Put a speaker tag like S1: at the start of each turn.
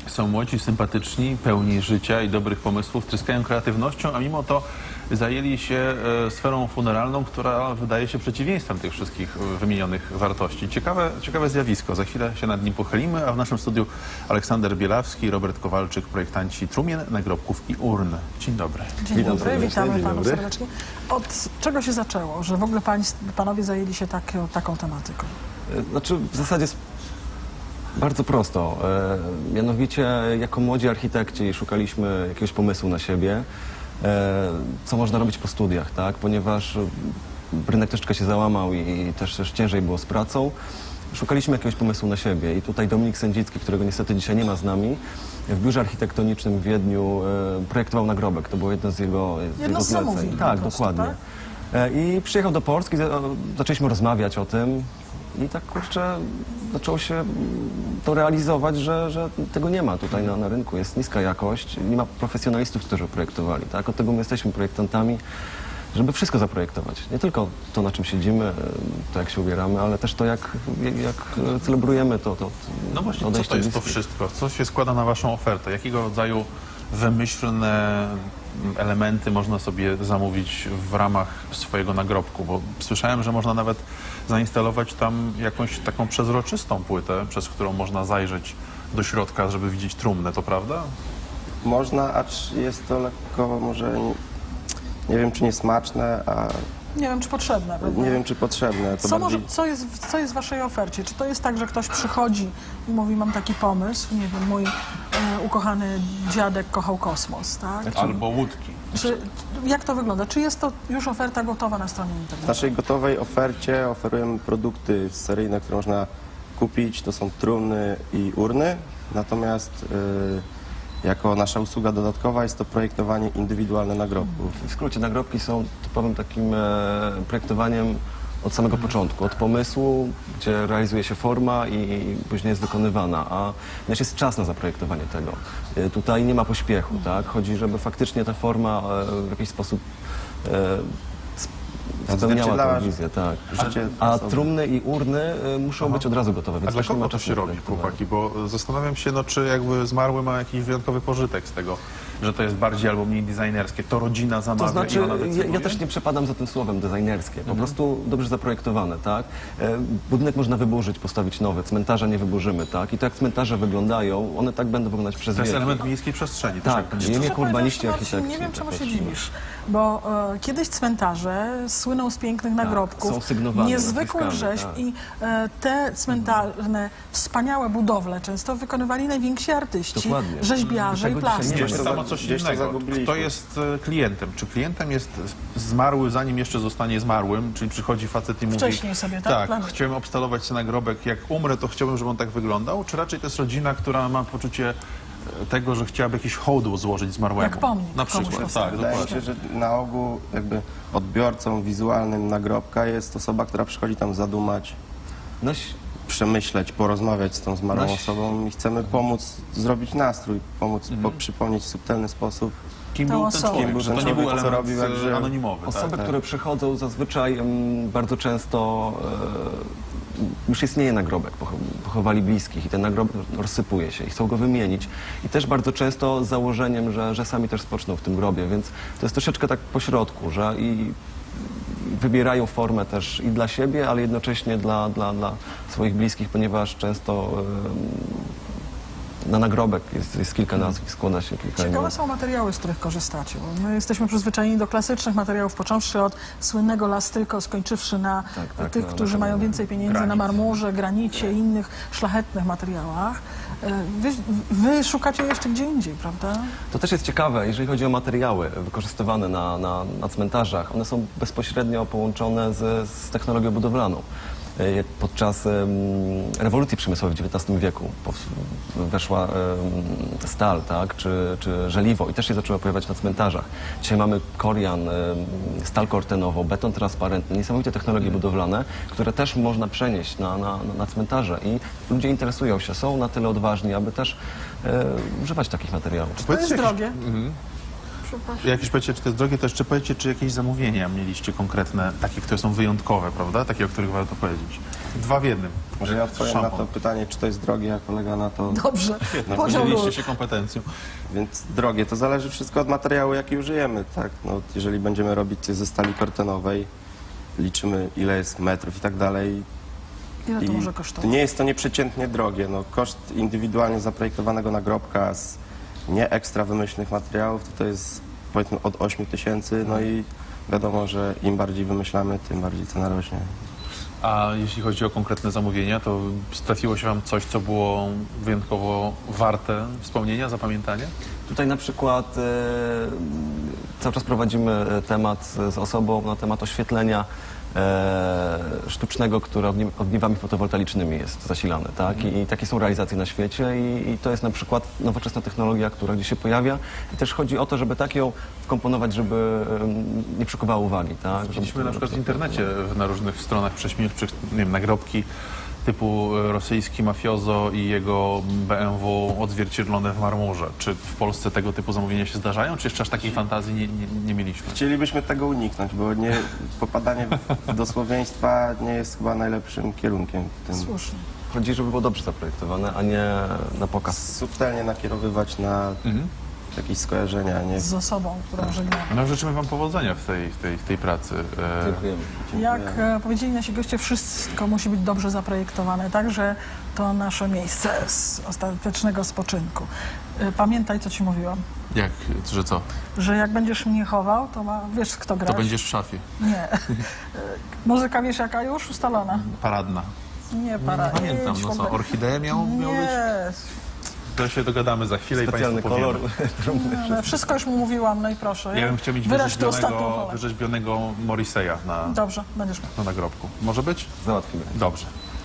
S1: Są młodzi, sympatyczni, pełni życia i dobrych pomysłów, tryskają kreatywnością, a mimo to zajęli się sferą funeralną, która wydaje się przeciwieństwem tych wszystkich wymienionych wartości. Ciekawe zjawisko. Za chwilę się nad nim pochylimy, a w naszym studiu Aleksander Bielawski, Robert Kowalczyk, projektanci trumien, nagrobków i urn. Dzień dobry.
S2: Dzień dobry,
S3: serdecznie,
S2: witamy
S3: dzień
S2: Panów
S3: dobry.
S2: serdecznie. Od czego się zaczęło, że w ogóle Panowie zajęli się taką tematyką?
S3: Znaczy, w zasadzie jest bardzo prosto. Mianowicie, jako młodzi architekci szukaliśmy jakiegoś pomysłu na siebie, co można robić po studiach, tak? Ponieważ rynek troszeczkę się załamał i też ciężej było z pracą. Szukaliśmy jakiegoś pomysłu na siebie i tutaj Dominik Sędzicki, którego niestety dzisiaj nie ma z nami, w biurze architektonicznym w Wiedniu projektował nagrobek. To było jedno z jego
S2: Jedno z
S3: zleceń.
S2: zamówień po
S3: Tak,
S2: prostu,
S3: dokładnie.
S2: tak?
S3: I przyjechał do Polski, zaczęliśmy rozmawiać o tym i tak kurczę zaczęło się to realizować, że tego nie ma tutaj na rynku. Jest niska jakość, nie ma profesjonalistów, którzy projektowali. Tak? Od tego my jesteśmy projektantami, żeby wszystko zaprojektować. Nie tylko to, na czym siedzimy, to jak się ubieramy, ale też to, jak celebrujemy to.
S1: No właśnie, co
S3: odejście
S1: to jest to
S3: bliskich.
S1: wszystko? Co się składa na waszą ofertę? Jakiego rodzaju wymyślne elementy można sobie zamówić w ramach swojego nagrobku? Bo słyszałem, że można nawet zainstalować tam jakąś taką przezroczystą płytę, przez którą można zajrzeć do środka, żeby widzieć trumnę, to prawda?
S4: Można, acz jest to lekko może, nie wiem czy niesmaczne, a
S2: Nie wiem, czy potrzebne. Prawda?
S4: nie wiem czy potrzebne. To bardziej...
S2: Co jest w waszej ofercie? Czy to jest tak, że ktoś przychodzi i mówi, mam taki pomysł, nie wiem, mój ukochany dziadek kochał kosmos, tak?
S1: Albo łódki.
S2: Jak to wygląda? Czy jest to już oferta gotowa na stronie
S4: W
S2: internetowej?
S4: naszej gotowej ofercie oferujemy produkty seryjne, które można kupić. To są trumny i urny. Natomiast jako nasza usługa dodatkowa jest to projektowanie indywidualne nagrobków.
S3: W skrócie, nagrobki są typowym takim projektowaniem od samego początku, od pomysłu, gdzie realizuje się forma i później jest dokonywana, a też jest czas na zaprojektowanie tego. Tutaj nie ma pośpiechu, tak? Chodzi, żeby faktycznie ta forma w jakiś sposób spełniała
S4: Odzwierciedlała
S3: tę wizję, tak.
S4: życie
S3: A
S4: osoby.
S3: trumny i urny muszą być od razu gotowe,
S1: A
S3: więc
S1: dla
S3: też nie ma
S1: kogo to
S3: czasu
S1: się
S3: na
S1: robi,
S3: projektowanie.
S1: chłopaki? Bo zastanawiam się, no, czy jakby zmarły ma jakiś wyjątkowy pożytek z tego, że to jest bardziej albo mniej designerskie. To rodzina zamawia
S3: To znaczy,
S1: i ona decyduje?
S3: ja też nie przepadam za tym słowem designerskie, po prostu dobrze zaprojektowane, tak? Budynek można wyburzyć, postawić nowy, cmentarza nie wyburzymy, tak? I to jak cmentarze wyglądają, one tak będą wyglądać przez
S1: To jest
S3: wieki.
S1: element miejskiej przestrzeni.
S3: Tak,
S1: jak będzie.
S3: nie
S2: Szczerze
S3: urbaniści,
S2: powiedziawszy, Marcin,
S3: architekci.
S2: nie wiem, czemu
S3: tak
S2: się
S3: patrzymy.
S2: dziwisz, bo kiedyś cmentarze słyną z pięknych nagrobków,
S3: są sygnowane
S2: niezwykłych
S3: nazwiskami,
S2: rzeźb
S3: tak.
S2: i te cmentarne, wspaniałe budowle często wykonywali najwięksi artyści,
S3: Dokładnie.
S2: rzeźbiarze i
S3: Tego dzisiaj nie
S2: plastycy.
S1: To jest
S4: to
S1: samo
S4: za-
S1: coś
S4: gdzieś to
S1: innego.
S4: zagubiliśmy.
S1: Kto jest klientem? Czy klientem jest zmarły, zanim jeszcze zostanie zmarłym? Czyli przychodzi facet i mówi...
S2: Wcześniej sobie, tak?
S1: Tak,
S2: Planuje.
S1: chciałem obstalować sobie nagrobek. Jak umrę, to chciałbym, żeby on tak wyglądał? Czy raczej to jest rodzina, która ma poczucie tego, że chciałaby jakiś hołd złożyć zmarłemu?
S2: Jak pomnik
S1: Na
S2: komuś
S1: przykład,
S2: postawić.
S1: tak,
S4: Wydaje
S1: dokładnie.
S4: się, że na ogół jakby odbiorcą wizualnym nagrobka jest osoba, która przychodzi tam zadumać, przemyśleć, porozmawiać z tą zmarłą
S3: Nasi-
S4: osobą i chcemy pomóc zrobić nastrój, pomóc przypomnieć w subtelny sposób.
S1: Kim
S2: Tą
S1: był ten
S2: osobą.
S1: człowiek?
S4: Kim był
S1: Że
S4: ten
S1: to nie był
S4: człowiek, co
S1: element
S4: robił, jak żył.
S1: anonimowy.
S3: Osoby,
S1: tak?
S3: które przychodzą zazwyczaj bardzo często już istnieje nagrobek, pochowali bliskich i ten nagrobek rozsypuje się i chcą go wymienić. I też bardzo często z założeniem, że sami też spoczną w tym grobie, więc to jest troszeczkę tak po środku, że i wybierają formę też i dla siebie, ale jednocześnie dla swoich bliskich, ponieważ często na nagrobek jest kilka nazwisk, składa się kilka
S2: Ciekawe
S3: imion.
S2: są materiały, z których korzystacie, bo my jesteśmy przyzwyczajeni do klasycznych materiałów, począwszy od słynnego lastyko, skończywszy na
S3: Tak,
S2: tych,
S3: na
S2: którzy mają więcej pieniędzy na
S1: Granit.
S2: marmurze, granicie i innych szlachetnych materiałach. Wy szukacie jeszcze gdzie indziej, prawda?
S3: To też jest ciekawe, jeżeli chodzi o materiały wykorzystywane na cmentarzach. One są bezpośrednio połączone z technologią budowlaną. Podczas rewolucji przemysłowej w XIX wieku weszła stal, tak, czy żeliwo i też się zaczęło pojawiać na cmentarzach. Dzisiaj mamy korian, stal kortenową, beton transparentny, niesamowite technologie budowlane, które też można przenieść na cmentarze i ludzie interesują się, są na tyle odważni, aby też używać takich materiałów.
S2: To jest
S1: Powiedzcie
S2: drogie. Przepraszam.
S1: Jak już powiecie, czy to jest drogie, to jeszcze powiecie, czy jakieś zamówienia mieliście konkretne, takie, które są wyjątkowe, prawda? Takie, o których warto powiedzieć. Dwa w jednym.
S4: Może ja odpowiem na
S1: Szampon.
S4: to pytanie, czy to jest drogie, a kolega na to...
S2: Dobrze,
S4: No,
S2: podział ról.
S1: Podzieliliście się kompetencją.
S4: Więc drogie, to zależy wszystko od materiału, jaki użyjemy, tak? No, jeżeli będziemy robić coś ze stali kortenowej, liczymy ile jest metrów i tak dalej.
S2: Ile to
S4: I
S2: może kosztować?
S4: nie jest to nieprzeciętnie drogie. No, koszt indywidualnie zaprojektowanego nagrobka z nie ekstra wymyślnych materiałów to jest powiedzmy od 8 tysięcy, no i wiadomo, że im bardziej wymyślamy, tym bardziej cena rośnie.
S1: A jeśli chodzi o konkretne zamówienia, to trafiło się wam coś, co było wyjątkowo warte wspomnienia, zapamiętania?
S3: Tutaj na przykład cały czas prowadzimy temat z osobą na temat oświetlenia sztucznego, które ogniwami fotowoltaicznymi jest zasilane, tak? I takie są realizacje na świecie i to jest na przykład nowoczesna technologia, która gdzieś się pojawia i też chodzi o to, żeby tak ją wkomponować, żeby nie przykuwała uwagi, tak?
S1: Widzieliśmy
S3: Żeby-
S1: na przykład w
S3: żeby-
S1: internecie na różnych stronach prześmiewczych, nie wiem, nagrobki typu rosyjski mafiozo i jego BMW odzwierciedlone w marmurze. Czy w Polsce tego typu zamówienia się zdarzają, czy jeszcze aż takiej fantazji nie mieliśmy?
S4: Chcielibyśmy tego uniknąć, bo popadanie do słowieństwa nie jest chyba najlepszym kierunkiem w tym.
S2: Słusznie.
S3: Chodzi, żeby było dobrze zaprojektowane, a nie na pokaz.
S4: Subtelnie nakierowywać na jakieś skojarzenia, nie
S2: Z osobą, którą żegnamy.
S1: No życzymy wam powodzenia w tej pracy.
S3: Dziękujemy.
S2: Jak powiedzieli nasi goście, wszystko musi być dobrze zaprojektowane, także to nasze miejsce z ostatecznego spoczynku. Pamiętaj, co ci mówiłam,
S1: Jak, że co?
S2: że jak będziesz mnie chował, to wiesz, kto gra.
S1: To będziesz w szafie.
S2: Nie. Muzyka wiesz jaka już ustalona?
S1: Paradna.
S2: Nie, para.
S1: Nie pamiętam,
S2: idź
S1: no co,
S2: kompletnie.
S1: orchideę miał być?
S2: Nie.
S1: To się dogadamy za chwilę
S3: Specjalny
S1: i Państwu
S3: kolor
S1: powiemy.
S3: trumny.
S2: No, wszystko już mu mówiłam, no i proszę.
S1: Ja bym chciał mieć
S2: Wyraź tę ostatnią wolę.
S1: wyrzeźbionego Morriseya
S2: Dobrze, będziesz miał.
S1: na nagrobku. Może być?
S3: Załatwimy.
S1: Dobrze.